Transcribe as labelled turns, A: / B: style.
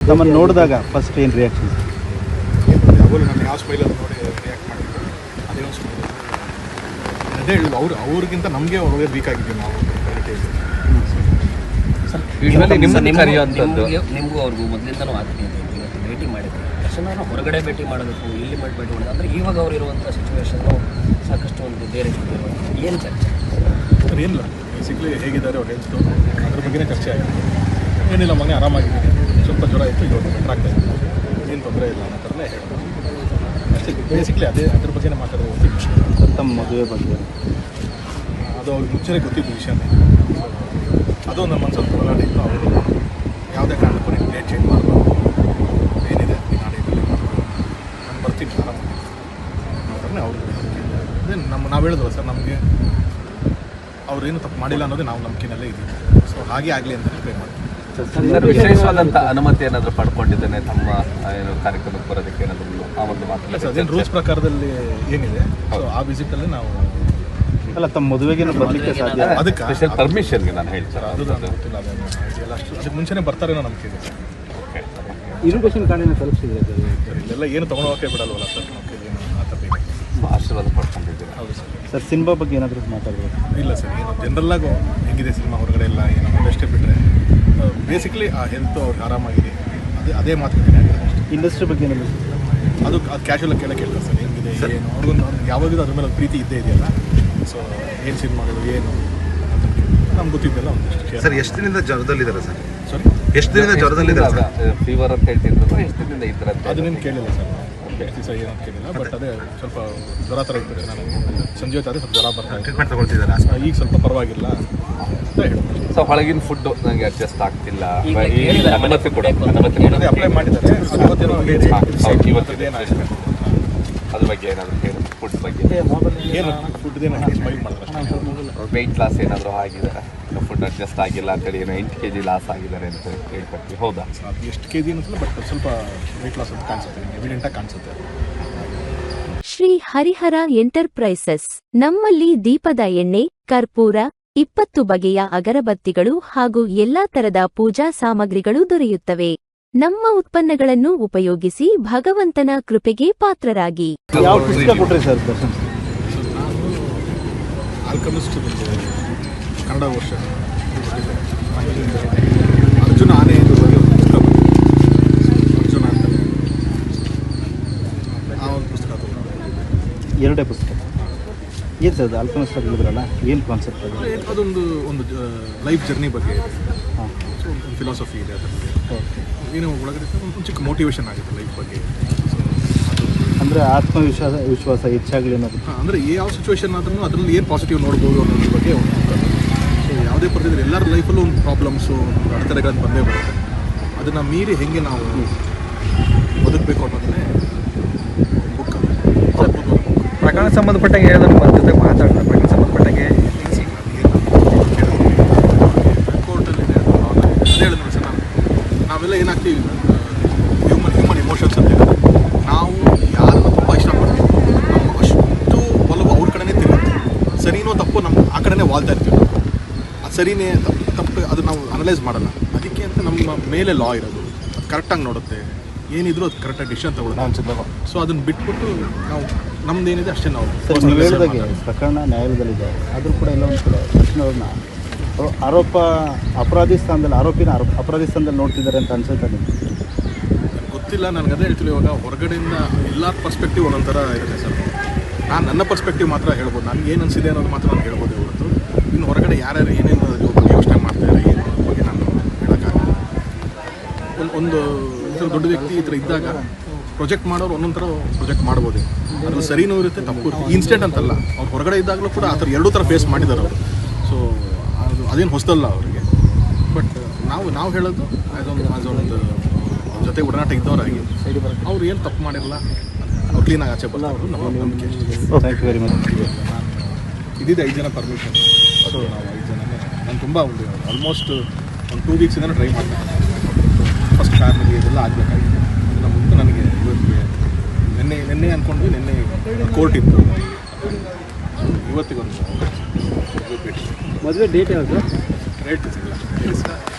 A: ತಮ್ಮನ್ನು ನೋಡಿದಾಗ ಫಸ್ಟ್ ಏನು ರಿಯಾಕ್ಷನ್?
B: ಯಾವಾಗಲೂ ನಾನು ಯಾವ ಸ್ಮೈಲಲ್ಲಿ ನೋಡಿ ರಿಯಾಕ್ಟ್ ಮಾಡಿದ್ರು ಅದೇ ಒಂದು ಸ್ಮೈಲ್. ಅದೇ ಹೇಳಿದ್ರು ಅವ್ರಿಗಿಂತ ನಮಗೆ ಒಳ್ಳೆ ವೀಕ್ ಆಗಿದ್ದೀವಿ ನಾವು
C: ನಿಮಗೂ ಅವ್ರಿಗೂ ಮೊದಲಿಂದನೂ ಆಗ್ತೀನಿ ಇವತ್ತು ಭೇಟಿ ಮಾಡಿದ್ರು ತಕ್ಷಣ ಹೊರಗಡೆ ಭೇಟಿ ಮಾಡಬೇಕು, ಇಲ್ಲಿ ಭೇಟಿ ಮಾಡೋದು ಅಂದರೆ ಇವಾಗ ಅವ್ರು ಇರುವಂಥ ಸಿಚುವೇಶನ್ನು ಸಾಕಷ್ಟು ಒಂದು ಬೇರೆ ಏನು ಚರ್ಚೆ
B: ಸರ್? ಏನಿಲ್ಲ, ಬೇಸಿಕ್ಲಿ ಹೇಗಿದ್ದಾರೆ ಅವ್ರು ಹೆಲ್ತು ಅದ್ರ ಬಗ್ಗೆನೇ ಚರ್ಚೆ ಆಗಿದೆ. ಏನಿಲ್ಲ, ಮನೆ ಆರಾಮಾಗಿದ್ದೀನಿ, ಸ್ವಲ್ಪ ಜ್ವರ ಇತ್ತು, ಇವಾಗ ಬೆಟ್ರ್ ಆಗ್ತಾ ಇತ್ತು, ಏನು ತೊಂದರೆ ಇಲ್ಲ ಅನ್ನೋ ಥರನೇ ಹೇಳ್ಬೋದು ಅಷ್ಟೇ. ಬೇಸಿಕ್ಲಿ ಅದ್ರ ಬಗ್ಗೆನೇ ಮಾತಾಡೋದು ಗೊತ್ತಿತ್ತು.
A: ತಮ್ಮ ಮದುವೆ ಬಗ್ಗೆ
B: ಅದು ಅವ್ರಿಗೆ ಮುಂಚೆನೇ ಗೊತ್ತಿದ್ದು ವಿಷಯನೇ. ಅದು ನಮ್ಮ ಮನಸ್ಸಲ್ಲಿ ಹೋರಾಟ ಇತ್ತು. ಅವರು ಯಾವುದೇ ಕಾರಣಕ್ಕೂ ನೀವು ಡೇಟ್ ಚೇಂಜ್ ಮಾಡಬಾರ್ದು, ಏನಿದೆ ನಾಡೇಟಲ್ಲಿ ನಾನು ಬರ್ತೀನಿ ಆರಾಮಾಗಿ ಅವ್ರನ್ನೇ ಅವ್ರಿಗೆ ಅದೇ ನಾವು ಹೇಳಿದ್ವಲ್ಲ ಸರ್, ನಮಗೆ ಅವ್ರೇನು ತಪ್ಪು ಮಾಡಿಲ್ಲ ಅನ್ನೋದೇ ನಾವು ನಂಬಿಕೆನಲ್ಲೇ ಇದ್ದೀವಿ. ಸೊ ಹಾಗೆ ಆಗಲಿ ಅಂತಲೇ ಪ್ರೇ ಮಾಡ್ತೀವಿ.
D: ವಿಶೇಷವಾದಂಥ ಅನುಮತಿ ಏನಾದರೂ ಪಡ್ಕೊಂಡಿದ್ದೇನೆ ತಮ್ಮ ಏನು ಕಾರ್ಯಕ್ರಮಕ್ಕೆ ಬರೋದಕ್ಕೆ ಏನಾದರೂ ಆ ಒಂದು ಮಾತು?
B: ಸರ್, ಅದೇನು ರೂಲ್ಸ್ ಪ್ರಕಾರದಲ್ಲಿ ಏನಿದೆ ಸೊ ಆ ವಿಸಿಟಲ್ಲಿ ನಾವು
A: ಅಲ್ಲ, ತಮ್ಮ ಮದುವೆಗೆ ಬರಲಿಕ್ಕೆ ಸಾಧ್ಯ?
B: ಅದಕ್ಕೆ
D: ಸ್ಪೆಷಲ್ ಪರ್ಮಿಷನ್ಗೆ ನಾನು ಹೇಳ್ತೀನಿ
B: ಅದು ನನಗೆ ಗೊತ್ತಿಲ್ಲ. ಅದೆಲ್ಲ ಅಷ್ಟು ಅದಕ್ಕೆ ಮುಂಚೆನೇ ಬರ್ತಾರೇನೋ ನಂಬಿಕೆ ಇದೆ ಸರ್.
A: ಇನ್ವಿಟೇಷನ್ ಕಾರ್ಡಿನ ತಲುಪಿಸಿದ್ರೆ
B: ಸರ್ ಇಲ್ಲೆಲ್ಲ ಏನು ತೊಗೊಳೋಕೆ ಬಿಡಲ್ವಲ್ಲ ಸರ್, ನಮಗೆ ಏನು ಆ ಥರ ಬೇಕು.
D: ಆಶೀರ್ವಾದ ಪಡ್ಕೊಂಡಿದ್ದೀನಿ.
B: ಹೌದು ಸರ್.
A: ಸರ್, ಸಿನಿಮಾ ಬಗ್ಗೆ ಏನಾದರೂ ಮಾತಾಡಬೇಕು?
B: ಇಲ್ಲ ಸರ್, ಏನು ಜನರಲ್ಲಾಗು ಹೆಂಗಿದೆ ಸಿನಿಮಾ ಹೊರಗಡೆ ಎಲ್ಲ ಏನೋ ಅಷ್ಟೇ ಬಿಟ್ಟರೆ ಬೇಸಿಕ್ಲಿ ಆ ಹೆಲ್ತ್ ಅವ್ರಿಗೆ ಆರಾಮಾಗಿದೆ, ಅದೇ ಮಾತುಕತೆ ಅಷ್ಟೇ.
A: ಇಂಡಸ್ಟ್ರಿ ಬಗ್ಗೆ ಏನಾದರೂ
B: ಅದು ಕ್ಯಾಶುವಲ್ ಕೇಳ್ತಾರೆ ಸರ್, ಹೆಂಗಿದೆ ಏನು ಅವ್ರಿಗೊಂದು ಯಾವಾಗಲೂ ಅದ್ರ ಮೇಲೆ ಒಂದು ಪ್ರೀತಿ ಇದ್ದೇ ಇದೆಯಲ್ಲ. ಸೊ ಏನು ಸಿನಿಮಾಗಳು ಏನು ನಮ್ಗೆ ಗೊತ್ತಿದ್ದೆಲ್ಲ ಒಂದಿಷ್ಟು.
E: ಸರ್, ಎಷ್ಟು ದಿನದಿಂದ ಜ್ವರದಲ್ಲಿದ್ದಾರೆ ಸರ್?
B: ಸಾರಿ,
E: ಎಷ್ಟು ದಿನದಿಂದ ಜ್ವರದಲ್ಲಿದ್ದಾರೆ?
D: ಫೀವರ್ ಅಂತ ಹೇಳ್ತಿದ್ರು, ಎಷ್ಟು ದಿನದಿಂದ ಇದ್ರಂತೆ?
B: ಅದನ್ನೇನು ಕೇಳಿಲ್ಲ ಸರ್, ಎಷ್ಟು ದಿವಸ ಏನಂತ ಕೇಳಿಲ್ಲ. ಬಟ್ ಅದೇ ಸ್ವಲ್ಪ ಜ್ವರ ಥರ ಇರ್ತದೆ. ನಾನು ಸಂಜೆ ಹೊತ್ತಾದರೆ ಸ್ವಲ್ಪ ಜ್ವರ ಬರ್ತಾ ಇದೆ.
E: ಟ್ರೀಟ್ಮೆಂಟ್ ತಗೊಳ್ತಿದ್ದಾರೆ,
B: ಈಗ ಸ್ವಲ್ಪ ಪರವಾಗಿಲ್ಲ ಅಂತ ಹೇಳ್ಬೋದು.
D: ಸೊ ಹೊಳಗಿನ ಫುಡ್ ನನಗೆ ಅಡ್ಜಸ್ಟ್ ಆಗ್ತಿಲ್ಲ, ಅನುಮತಿ ಕೊಡ
B: ಅದೇ ಅಪ್ಲೈ ಮಾಡಿದ್ದಾರೆ.
D: ಇವತ್ತೇನಾಗಿದೆ ಅದ್ರ ಬಗ್ಗೆ ಏನಾದರೂ ಹೇಳಿ, ಫುಡ್ ಬಗ್ಗೆ
B: ಏನು ಫುಡ್ದೇನು ಸ್ಮೈಲ್ ಮಾಡ್ತಾರೆ.
D: ವೆಯ್ಟ್ ಲಾಸ್ ಏನಾದರೂ ಆಗಿದೆ, ಫುಡ್ ಅಡ್ಜಸ್ಟ್ ಆಗಿಲ್ಲ ಅಂತೇಳಿ ಏನೋ 8 kg ಲಾಸ್ ಆಗಿದ್ದಾರೆ ಅಂತ ಹೇಳ್ಕೊಡ್ತೀವಿ, ಹೌದಾ?
B: ಅದು ಎಷ್ಟು ಕೆ ಜಿ ಅನ್ನಿಸಲ್ಲ, ಬಟ್ ಸ್ವಲ್ಪ ವೆಯ್ಟ್ ಲಾಸ್ ಅಂತ ಕಾಣಿಸುತ್ತೆ, ಎವಿಡೆಂಟಾಗಿ ಕಾಣಿಸುತ್ತೆ.
F: ಶ್ರೀ ಹರಿಹರ ಎಂಟರ್ಪ್ರೈಸಸ್ ನಮ್ಮಲ್ಲಿ ದೀಪದ ಎಣ್ಣೆ, ಕರ್ಪೂರ, 20 ಬಗೆಯ ಅಗರಬತ್ತಿಗಳು ಹಾಗೂ ಎಲ್ಲಾ ತರದ ಪೂಜಾ ಸಾಮಗ್ರಿಗಳು ದೊರೆಯುತ್ತವೆ. ನಮ್ಮ ಉತ್ಪನ್ನಗಳನ್ನು ಉಪಯೋಗಿಸಿ ಭಗವಂತನ ಕೃಪೆಗೆ ಪಾತ್ರರಾಗಿ.
A: ಯಾವ ಪುಸ್ತಕ ಕೊಟ್ರಿ ಸರ್ ದರ್ಶನ್?
B: ನಾನು ಆಲ್ಕಮಿಸ್ಟ್ ಕನ್ನಡ ವರ್ಷ ಅರ್ಜುನ ಆನೆ ಎಂದು ಪುಸ್ತಕ ಅರ್ಜುನ ಅಂತಲೇ ಆ ಒಂದು ಪುಸ್ತಕ ತಗೊಂಡು.
A: ಎರಡೇ ಪುಸ್ತಕ ಏನು ಸರ್? ಅದು ಆಲ್ಕಮಿಸ್ಟ್ ಹೇಳಿದ್ರಲ್ಲ, ಏನು ಕಾನ್ಸೆಪ್ಟ್ ಅದು?
B: ಒಂದು ಲೈಫ್ ಜರ್ನಿ ಬಗ್ಗೆ ಇದೆ.
A: ಹಾಂ,
B: ಸೊ ಒಂದು ಫಿಲಾಸಫಿ ಇದೆ ಅದರಲ್ಲಿ.
A: ಓಕೆ.
B: ಏನೋ ಒಳಗಡೆ ಒಂದು ಚಿಕ್ಕ ಮೋಟಿವೇಶನ್ ಆಗುತ್ತೆ ಲೈಫ್ ಬಗ್ಗೆ. ಸೊ ಅದು
A: ಅಂದರೆ ವಿಶ್ವಾಸ ಹೆಚ್ಚಾಗಲಿ ಅನ್ನೋದು.
B: ಅಂದರೆ ಯಾವ ಸಿಚುವೇಶನ್ ಆದ್ರೂ ಅದರಲ್ಲಿ ಏನು ಪಾಸಿಟಿವ್ ನೋಡ್ಬೋದು ಅನ್ನೋದ್ರ ಬಗ್ಗೆ ಒಂದು ಸೊ ಯಾವುದೇ ಪರಿಸ್ಥಿತಿ ಎಲ್ಲರ ಲೈಫಲ್ಲೂ ಒಂದು ಪ್ರಾಬ್ಲಮ್ಸು, ಒಂದು ಅಡೆತಡೆಗಳನ್ನು ಬಂದೇ ಬರುತ್ತೆ. ಅದನ್ನು ಮೀರಿ ಹೆಂಗೆ ನಾವು ಬದುಕಬೇಕು ಅನ್ನೋದನ್ನೇ ಬುಕ್.
G: ಪ್ರಕರಣ ಸಂಬಂಧಪಟ್ಟಂಗೆ ಹೇಳಿದ್ರೆ ಜೊತೆ ಮಾತಾಡ್ತಾರೆ. ಪ್ರಕರಣ ಸಂಬಂಧಪಟ್ಟಂಗೆ
B: ಕೋರ್ಟಲ್ಲಿದೆ, ಅದೇ ಹೇಳಿದ್ರು ಸರ್. ನಾವೆಲ್ಲ ಏನಾಗ್ತೀವಿ, ಹ್ಯೂಮನ್ ಇಮೋಷನ್ಸ್ ಅಂತ ಹೇಳಿದ್ರೆ ನಾವು ಯಾರನ್ನು ತುಂಬ ಇಷ್ಟಪಡ್ತೀವಿ, ನಮ್ಮ ಅಷ್ಟು ಒಲವು ಅವ್ರ ಕಡೆನೇ ತಿರುಗುತ್ತೆ. ಸರಿನೋ ತಪ್ಪು ನಮ್ಮ ಆ ಕಡೆನೇ ವಾಲ್ತಾ ಇರ್ತೀವಿ ನಾವು. ಅದು ಸರಿನೇ ತಪ್ಪು ಅದು ನಾವು ಅನಲೈಸ್ ಮಾಡಲ್ಲ. ಅದಕ್ಕೆ ಅಂತ ನಮ್ಮ ಮೇಲೆ ಲಾ ಇರೋದು, ಅದು ಕರೆಕ್ಟಾಗಿ ನೋಡುತ್ತೆ, ಏನಿದ್ರು ಅದು ಕರೆಕ್ಟಾಗಿ ಡಿಸಿಷನ್ ತಗೊಳ್ಳೋದು. ಸೊ ಅದನ್ನು ಬಿಟ್ಬಿಟ್ಟು ನಾವು ನಮ್ದೇನಿದೆ ಅಷ್ಟೇ ನಾವು.
A: ಸರ್, ನೀವು ಹೇಳಿದಾಗೆ ಪ್ರಕರಣ ನ್ಯಾಯಾಲಯದಲ್ಲಿದೆ, ಆದರೂ ಕೂಡ ಎಲ್ಲ ಒಂದು ಕಡೆ ಕೃಷ್ಣವ್ರನ್ನ ಅಪರಾಧಿ ಸ್ಥಾನದಲ್ಲಿ ನೋಡ್ತಿದ್ದಾರೆ ಅಂತ ಅನ್ಸುತ್ತೆ ನಿಮಗೆ?
B: ಗೊತ್ತಿಲ್ಲ, ನನಗೆ ಅದೇ ಹೇಳ್ತಿಲ್ಲ. ಇವಾಗ ಹೊರಗಡೆಯಿಂದ ಎಲ್ಲ ಪರ್ಸ್ಪೆಕ್ಟಿವ್ ಒಂದೊಂಥರ ಇರುತ್ತೆ ಸರ್. ನಾನು ನನ್ನ ಪರ್ಸ್ಪೆಕ್ಟಿವ್ ಮಾತ್ರ ಹೇಳ್ಬೋದು, ನನಗೆ ಏನು ಅನಿಸಿದೆ ಅನ್ನೋದು ಮಾತ್ರ ನಾನು ಹೇಳ್ಬೋದು ಹೊರತು ಇನ್ನು ಹೊರಗಡೆ ಯಾರ್ಯಾರು ಏನೇನು ಯೋಚನೆ ಮಾಡ್ತಾರೆ ಏನು ಅದ್ರ ಬಗ್ಗೆ ನಾನು ಹೇಳೋಕ್ಕಾಗಲ್ಲ. ಒಂದು ದೊಡ್ಡ ವ್ಯಕ್ತಿ ಈ ಥರ ಇದ್ದಾಗ ಪ್ರೊಜೆಕ್ಟ್ ಮಾಡೋರು ಒಂದೊಂದು ಥರ ಪ್ರೊಜೆಕ್ಟ್ ಮಾಡ್ಬೋದು. ಅದ್ರಲ್ಲಿ ಸರಿನೂ ಇರುತ್ತೆ, ತಪ್ಪು ಇರುತ್ತೆ. ಇನ್ಸ್ಟೆಂಟ್ ಅಂತಲ್ಲ, ಅವ್ರು ಹೊರಗಡೆ ಇದ್ದಾಗಲೂ ಕೂಡ ಆ ಥರ ಎರಡೂ ಥರ ಫೇಸ್ ಮಾಡಿದ್ದಾರೆ ಅವರು. ಸೊ ಅದೇನು ಹೊಸದಲ್ಲ ಅವರಿಗೆ. ಬಟ್ ನಾವು ಹೇಳೋದು ಆ್ಯಸ್ ಒಂದು ಜೊತೆ ಒಡನಾಟ ಇದ್ದವರಾಗಿ ಅವ್ರು ಏನು ತಪ್ಪು ಮಾಡಿರಲ್ಲ, ಅವ್ರು ಕ್ಲೀನಾಗಿ ಆಚೆ ಬರೋದು ನಮ್ಮ ನಂಬಿಕೆ.
A: Thank you very much.
B: ಇದ್ದಿದ್ದು 5 ಜನ ಪರ್ಮಿಷನ್. ಸೊ ನಾವು 5 ಜನನೇ. ನಾನು ತುಂಬ ಒಂದು ಆಲ್ಮೋಸ್ಟ್ ಒಂದು 2 ವೀಕ್ಸಿಂದ ಟ್ರೈ ಮಾಡ್ತೀನಿ. ಫಸ್ಟ್ ಫ್ಯಾಮಿಲಿ ಇದೆಲ್ಲ ಆಗಬೇಕಾಗಿತ್ತು. ಅದನ್ನು ಮುಂದೆ ನನಗೆ ಇವತ್ತಿಗೆ ನಿನ್ನೆ ಅಂದ್ಕೊಂಡ್ವಿ, ನಿನ್ನೆ ಕೋರ್ಟ್ ಇತ್ತು, ಇವತ್ತಿಗೊಂದು ಭೇಟಿ.
A: ಮದುವೆ ಡೇಟ್ ಯಾವುದು?
B: ರೇಟ್ ಸಿಗಲ್ಲ.